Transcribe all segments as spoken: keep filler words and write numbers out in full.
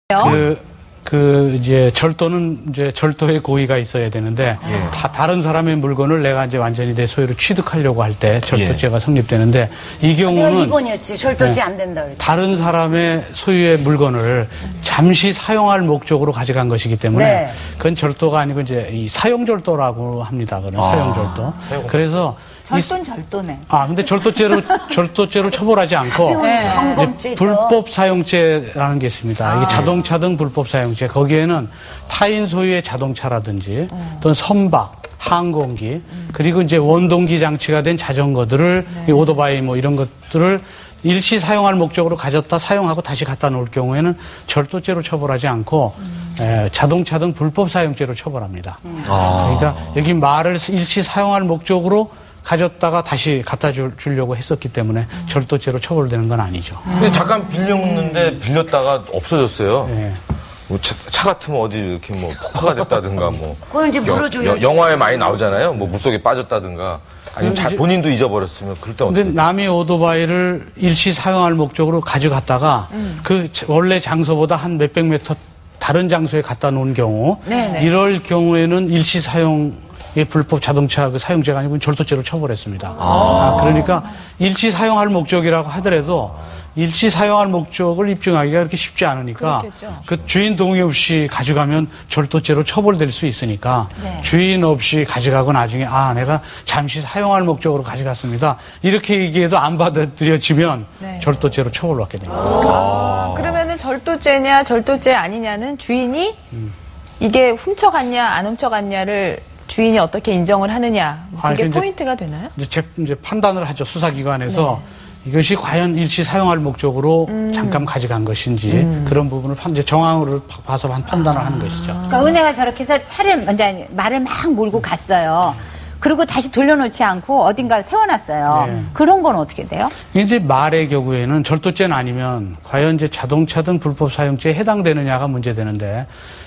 그, 그, 이제, 절도는 이제 절도의 고의가 있어야 되는데, 예. 다, 다른 사람의 물건을 내가 이제 완전히 내 소유로 취득하려고 할 때 절도죄가 예. 성립되는데, 이 경우는. 이 번이었지. 절도죄 네, 안 된다. 그랬지. 다른 사람의 소유의 물건을 잠시 사용할 목적으로 가져간 것이기 때문에, 네. 그건 절도가 아니고 이제 이 사용절도라고 합니다. 그런 아. 사용절도. 그래서. 절도는 절도네. 아, 근데 절도죄로, 절도죄로 처벌하지 않고, 네. 이제 불법 사용죄라는 게 있습니다. 아. 이게 자동차 등 불법 사용죄. 거기에는 타인 소유의 자동차라든지, 음. 또는 선박, 항공기, 음. 그리고 이제 원동기 장치가 된 자전거들을, 네. 이 오토바이 뭐 이런 것들을 일시 사용할 목적으로 가졌다 사용하고 다시 갖다 놓을 경우에는 절도죄로 처벌하지 않고, 음. 에, 자동차 등 불법 사용죄로 처벌합니다. 음. 아. 그러니까 여기 말을 일시 사용할 목적으로 가졌다가 다시 갖다 줄, 주려고 했었기 때문에 음. 절도죄로 처벌되는 건 아니죠. 근데 잠깐 빌렸는데 빌렸다가 없어졌어요. 네. 뭐 차, 차 같으면 어디 이렇게 뭐 폭파가 됐다든가 뭐. 그건 이제 물어줘야지. 영화에 많이 나오잖아요. 뭐 물속에 빠졌다든가. 아니면 자, 본인도 잊어버렸으면 그럴 때 어떻게? 근데 남의 오토바이를 일시 사용할 목적으로 가져갔다가 음. 그 원래 장소보다 한 몇백 미터 다른 장소에 갖다 놓은 경우 네네. 이럴 경우에는 일시 사용 이 불법 자동차 그 사용죄가 아니고 절도죄로 처벌했습니다. 아. 아, 그러니까 일시 사용할 목적이라고 하더라도 일시 사용할 목적을 입증하기가 그렇게 쉽지 않으니까 그렇겠죠. 그 주인 동의 없이 가져가면 절도죄로 처벌될 수 있으니까 네. 주인 없이 가져가고 나중에 아 내가 잠시 사용할 목적으로 가져갔습니다. 이렇게 얘기해도 안 받아들여지면 네. 절도죄로 처벌받게 됩니다. 아. 그러면은 절도죄냐 절도죄 아니냐는 주인이 음. 이게 훔쳐갔냐 안 훔쳐갔냐를 주인이 어떻게 인정을 하느냐 그게 아니, 포인트가 되나요? 이제, 이제 판단을 하죠. 수사기관에서 네. 이것이 과연 일시 사용할 목적으로 음. 잠깐 가져간 것인지 음. 그런 부분을 이제 정황으로 봐서 판단을 아. 하는 것이죠. 그러니까 은혜가 저렇게 해서 차를 먼저 말을 막 몰고 갔어요. 그리고 다시 돌려놓지 않고 어딘가 세워놨어요. 네. 그런 건 어떻게 돼요? 이제 말의 경우에는 절도죄는 아니면 과연 이제 자동차 등 불법 사용죄에 해당되느냐가 문제되는데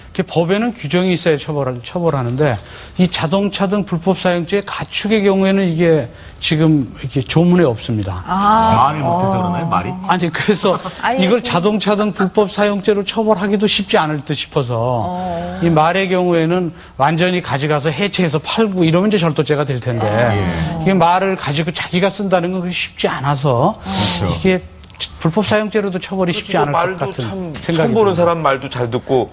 법에는 규정이 있어야 처벌, 처벌하는데 이 자동차 등 불법 사용죄 가축의 경우에는 이게 지금 이렇게 조문에 없습니다. 아. 말이 못해서 그러나요? 말이? 아니 그래서 이걸 자동차 등 불법 사용죄로 처벌하기도 쉽지 않을 듯 싶어서 어. 이 말의 경우에는 완전히 가져가서 해체해서 팔고 이러면 이제 절도죄가 될 텐데 아. 이게 말을 가지고 자기가 쓴다는 건 쉽지 않아서 아. 이게 불법 사용죄로도 처벌이 쉽지 않을 것 같은 참, 생각이 처음 보는 사람 말도 잘 듣고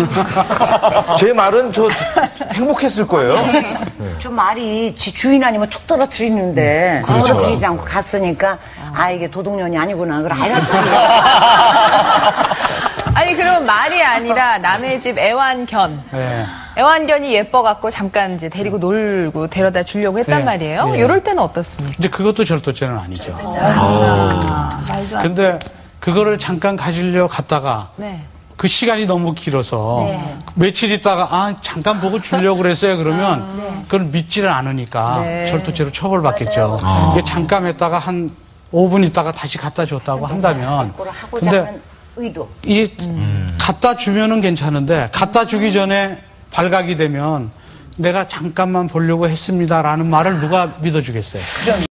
제 말은 저 행복했을 거예요. 네. 저 말이 지 주인 아니면 툭 떨어뜨리는데 음, 그렇죠. 떨어뜨리지 않고 갔으니까 아 이게 도둑년이 아니구나 그걸 알았지. 아니 그럼 말이 아니라 남의 집 애완견. 네. 애완견이 예뻐갖고 잠깐 이제 데리고 놀고 데려다 주려고 했단 네. 말이에요. 네. 이럴 때는 어떻습니까? 이제 그것도 절도죄는 아니죠. 아. 아. 근데 그거를 잠깐 가지려 갔다가 네. 그 시간이 너무 길어서 네. 며칠 있다가 아 잠깐 보고 주려고 그랬어요. 그러면 아. 네. 그걸 믿지를 않으니까 네. 절도죄로 처벌받겠죠. 아. 이게 잠깐 했다가 한 오 분 있다가 다시 갖다 줬다고 한다면 근데 의도. 이 음. 갖다 주면은 괜찮은데 갖다 주기 전에 발각이 되면 내가 잠깐만 보려고 했습니다라는 말을 누가 믿어주겠어요.